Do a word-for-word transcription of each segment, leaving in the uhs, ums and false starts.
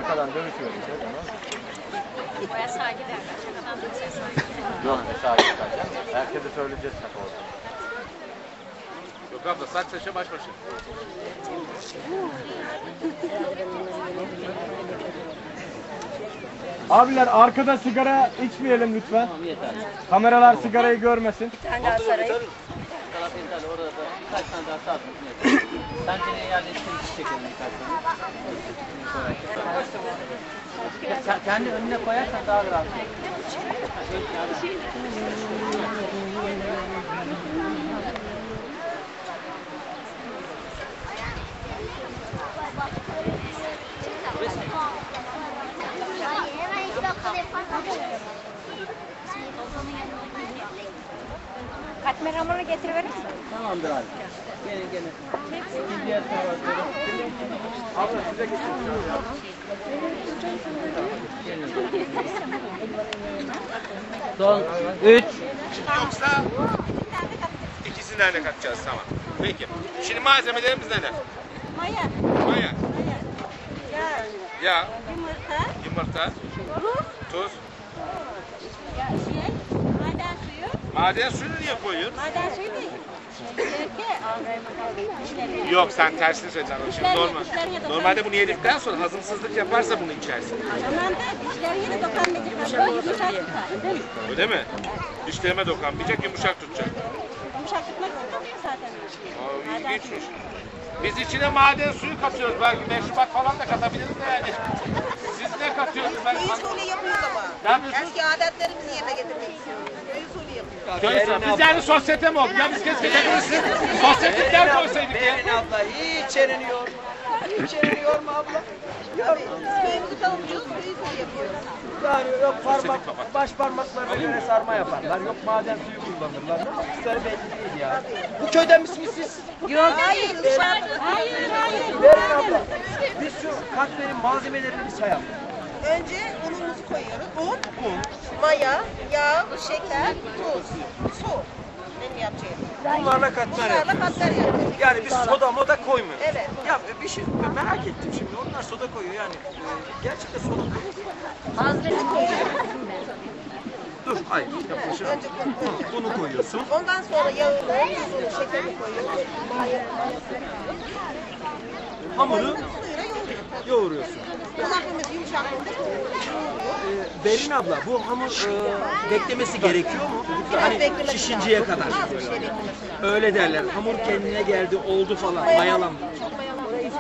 Şakadan dövüşüyoruz. Baya saygı derler. Şakadan dövüşe saygı. Yok ne saygı kalacağım. Herkese söyleyeceğiz şaka olsun. Yok abla saç saça baş başa. Abiler arkada sigara içmeyelim lütfen. Tamam yeter. Kameralar sigarayı görmesin. Bir tane daha sarayım. Taraf yeterli. Orada da birkaç tane daha sağ tutun yeter. Sen yine yerleştirin çekelim birkaç tane. Kendi önüne koyarsan daha rahat. Katmer hamurunu getiriverir misin? Tamamdır abi. Gelin gelin. Bir diğer tarafa doğru. Abla size geçelim. Son üç. Yoksa ikisinden de katacağız tamam. Peki. Şimdi malzemelerimiz neler? Maya, Maya, yağ, yağ, yumurta, yumurta, tuz, tuz. ya şey, maden suyu. Maden suyunu niye koyuyorsun? Maden suyu değil. Dişleri. Yok sen tersini söyledin. Şimdi Dişler- normal. dişler yedin. Normalde bunu yedikten sonra hazımsızlık yaparsa bunu içersin. Aman da dişleri yine dokanmayacak. Böyle yumuşak tutar. Değil mi? Öyle mi? Dişlerime dokanmayacak, yumuşak tutacak. Yumuşak tutmak istemiyor zaten. Aa, ilginçmiş. Biz içine maden suyu katıyoruz. Belki meşrubat falan da katabiliriz de yani. Siz ne katıyorsunuz? Ben Köy usulü yapıyoruz ama. Ne yapıyorsunuz? Eski adetlerimizi yerine getirmek istiyoruz. Köy usulü yapıyoruz. Köy usulü. Biz yani sosyete mi olduk? Ya biz keşke hepimiz sosyetikler koysaydık ya. Berin abla hiç yerini yorma. Hiç yerini yorma abla. Tabii, biz köyümüzü savunuyoruz, köy usulü yapıyoruz. Yani yok parmak, baş parmaklarına göre sarma yaparlar. Yok maden suyu kullanırlar. Ne yaptıkları belli değil ya. Bu köyden misiniz siz? Yok, hayır, dışarıda. Hayır, hayır. Berin abla. Biz şu katmerin malzemelerini bir sayalım. Önce unumuzu koyuyoruz. Un, maya, yağ, şeker, tuz, su. Benim yapacağım. Bunlarla katmer Bunlarla yapıyoruz. katlar yapıyoruz. Yani biz soda moda koymuyoruz. Evet. Ya bir şey merak ettim şimdi. Onlar soda koyuyor yani. E, gerçekten soda koyuyor. Hazreti koyuyorum. Dur hayır. Yapmışım. Önce koyuyoruz. Bunu koyuyorsun. Ondan sonra yağını, tuzunu, şekerini koyuyoruz. Hamuru Suyla yoğuruyoruz. yoğuruyorsun. Kulakımız yumuşaklığında Ee, Berin abla bu hamur e, beklemesi gerekiyor mu? Hani beklemesi şişinceye lazım. kadar. Az bir şey beklemesi lazım. Öyle derler. Hamur kendine geldi, oldu falan. Mayalandı. Çok mayalanması.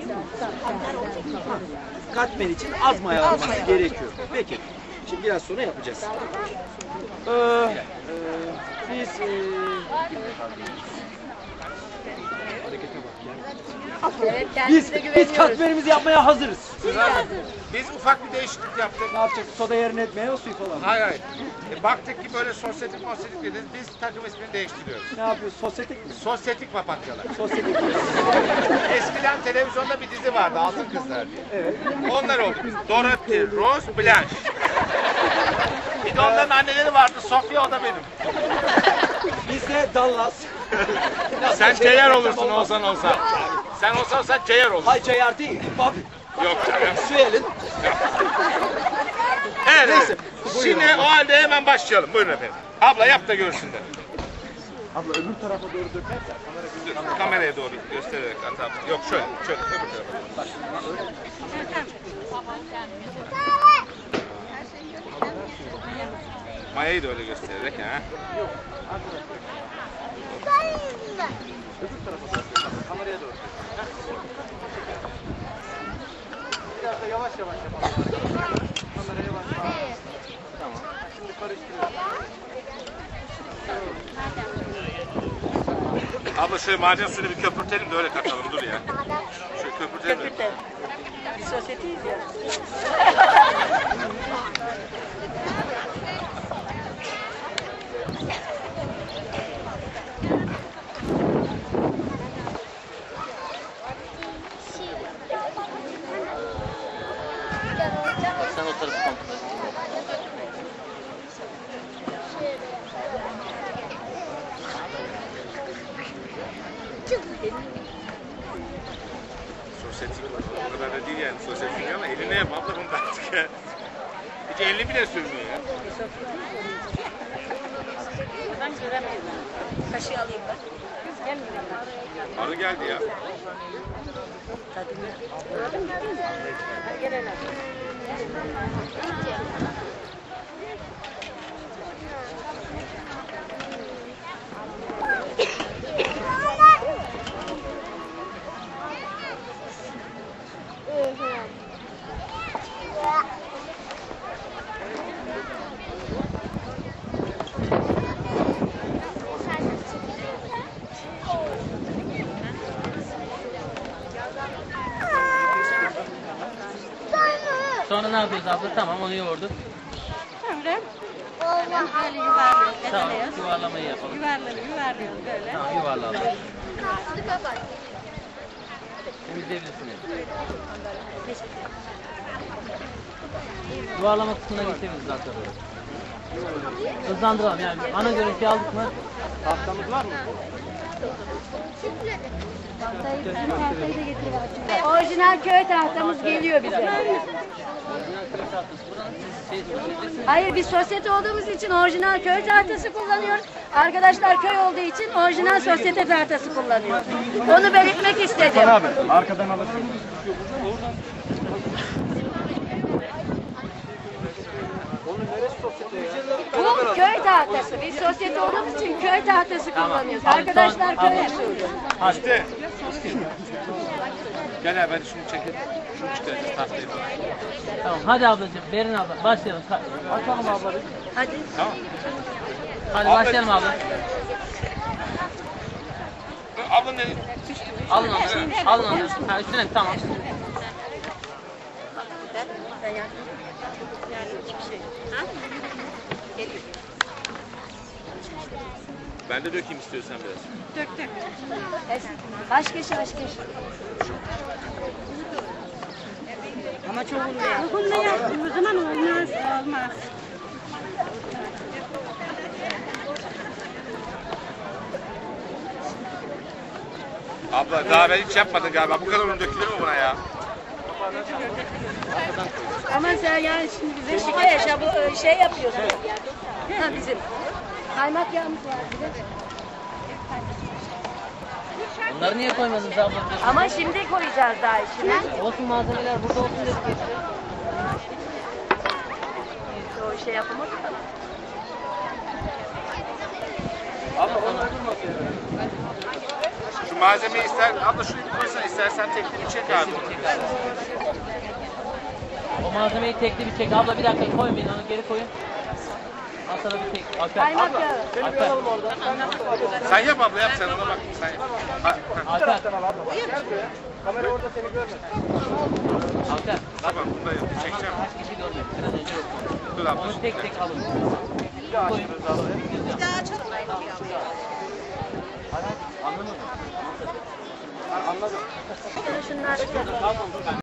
Katmer için az mayalanması gerekiyor. Peki. Şimdi biraz sonra yapacağız. Ee, e, biz e, Evet, biz kendimize biz güveniyoruz. katmerimizi yapmaya hazırız. Biz ufak bir değişiklik yaptık. Ne yapacak? Soda yerine etmeye o suyu falan. Hayır hayır. E, baktık ki böyle sosyetik mosyetik dediniz. Biz takım ismini değiştiriyoruz. Ne yapıyoruz? Sosyetik mi? Sosyetik papatyalar. Sosyetik. Eskiden televizyonda bir dizi vardı Altın Kızlar diye. Evet. Onlar oldu biz. Dorothy, Rose, Blanche. Bir de onların anneleri vardı. Sofia o da benim. Biz de Dallas. Sen Ceyar olursun olsan olsan. Sen olsan olsan Ceyar olursun. Hay Ceyar değil. Bobby. Yok canım. Süel'in. Evet, Neyse, evet. Şimdi o halde hemen başlayalım. Buyurun efendim. Abla yap da görsünler. Abla öbür tarafa doğru dökersen. Dur, kameraya doğru göstererek at abla. Yok şöyle, şöyle öbür tarafa. Mayayı da öyle göstererek ha. Öbür tarafa doğru. Kameraya doğru. Biraz da yavaş yavaş yapalım. Kameraya yavaş yavaş. Tamam. Şimdi karıştırıyoruz. Abla şöyle maden suyunu bir köpürtelim de öyle katalım dur ya. Şöyle köpürtelim de. Biz sosyetiyiz ya. Sen o tarafı kontrol et. sosyetik o kadar da değil yani sosyetik ama eline yap abla bunu da artık ya. Hiç elini bile sürmüyor ya. Ben göremiyorum. Kaşığı alayım ben. Gelmiyor. Arı geldi ya. Gel hele. Sonra ne yapıyoruz abla? Tamam onu yoğurduk. Böyle. Böyle yuvarlıyoruz. Tamam Edeliyoruz. yuvarlamayı yapalım. Yuvarlıyoruz, yuvarlıyoruz böyle. Tamam yuvarlayalım. Temizleyebilirsiniz. Yuvarlama kısmına geçebiliriz zaten. Hızlandıralım yani. Ana görüntüyü aldık mı? Tahtamız var mı? Orijinal köy tahtamız geliyor bize. Hayır biz sosyete olduğumuz için orijinal köy tahtası kullanıyoruz. Arkadaşlar köy olduğu için orijinal sosyete tahtası kullanıyor. Onu belirtmek istedim. Abi arkadan alırsın. Bu köy tahtası. Biz sosyete olduğumuz için köy tahtası kullanıyoruz. Hadi, Arkadaşlar son- köy hadi. usulü. İşte. Gel abi hadi şunu çekelim. Şunu çıkaracağız tahtayı. Tamam hadi ablacığım. Berin abla başlayalım. Açalım abla. Hadi. Tamam. Hadi Abla- başlayalım abla. Abla ne? Alın onu. Alın onu. Ha üstüne tamam. Ben de dökeyim istiyorsan biraz. Dök dök. Aşk eşi aşk eşi. Ama çok oluyor. Bunda yaptığımız zaman olmaz. Olmaz. Abla daha ben hiç yapmadın galiba. Bu kadar un dökülür mü buna ya? Ama sen yani şimdi bize şikayet şabu şey yapıyorsun. Ha bizim. Kaymak yağımız var bir de. Bunları niye koymadınız abla? Ama şimdi koyacağız daha içine. Olsun malzemeler burada olsun dedik işte. O şey yapamadık. Abla onu öldürmesin. Şu malzemeyi ister, abla şunu bir koysan istersen tekli bir çek abi. O malzemeyi tekli bir çek. Abla bir dakika koymayın onu geri koyun. Al sana bir tek. Alper. Kaymak yağı. Seni bir Alper. alalım orada. Sen yap abla yap sen ona bak. Sen yap. Ha, ha. Alper. Taraftan al abla. Gel buraya. Kamera orada seni görmesin. Alper. Bak Tamam bunu da yap. Çekeceğim. kaç kişi görmedi. Biraz önce yok. Dur abla. Onu tek tek alın. Bir daha açıyoruz abla. Bir daha açalım mı? Anladın mı? Anladım. Şunlar.